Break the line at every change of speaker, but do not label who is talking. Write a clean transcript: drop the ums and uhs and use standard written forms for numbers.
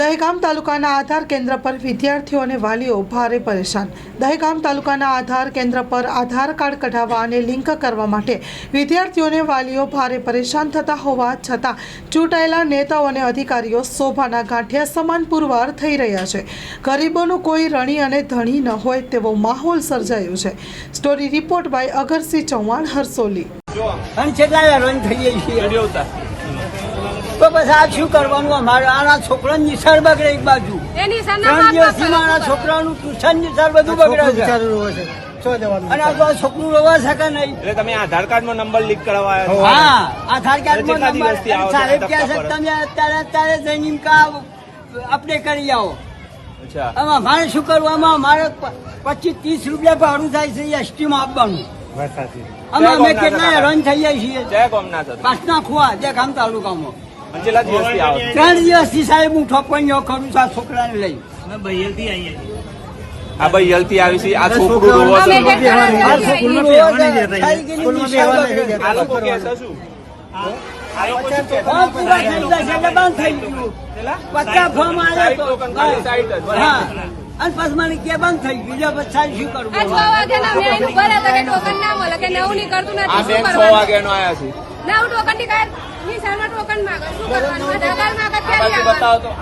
દહેગામ તાલુકાના આધાર કેન્દ્ર પર વિદ્યાર્થીઓ અને વાલીઓ ભારે પરેશાન। દહેગામ તાલુકાના આધાર કેન્દ્ર પર આધાર કાર્ડ કઢાવવા અને લિંક કરવા માટે વિદ્યાર્થીઓ અને વાલીઓ ભારે પરેશાન થતા હોવા છતાં ચૂંટાયેલા નેતાઓ અને અધિકારીઓ શોભાના ગાંઠિયા સમાન પુરવાર થઈ રહ્યા છે। ગરીબોનું કોઈ રણી અને ધણી ન હોય તેવો માહોલ સર્જાયો છે। Story report by Agarsinh Chauhan, Harsoli.
તો બસ આ શું કરવાનું અમારે? આના છોકરાની નિશાળ બગડે એક બાજુ, 3 દિવસથી મારા છોકરાનું ટ્યુશન નિશાળ બધું બગડે છે અને આ તો છોકરું રોવા શકે નહીં।
એટલે તમે આધાર કાર્ડ નો નંબર લીક કરાવવા?
હા, આધાર કાર્ડ નો નંબર સાહેબ કહે છે તમે અત્યારે જઈને અપડેટ કરી આવો। આમાં અમારે શું કરવું? આમાં અમારે 25-30 રૂપિયા ભાડું થાય છે એસટી માં આપવાનું। આમાં અમે કેટલા હેરાન થઈ જાય છીએ। પાસના ખુવા દહેગામ તાલુકામાં 3 દિવસથી સાહેબ હું ઠોકવાઈઓ કરું છું આ છોકરાને લઈ।
આ ભાઈ હલતી આવી છે, આ છોકરું રોવો છે, આ લોકો કે છે શું? આ લોકો શું કે છે?
બંધ થઈ ગયું, 50 ફોર્મ આવ્યા તો હા, અને પછી મને કે બંધ થઈ ગયું। પછી સાહેબ શું કરવું?
આ બેંક 6 વાગ્યાનો આવ્યા છે। બતાવો તો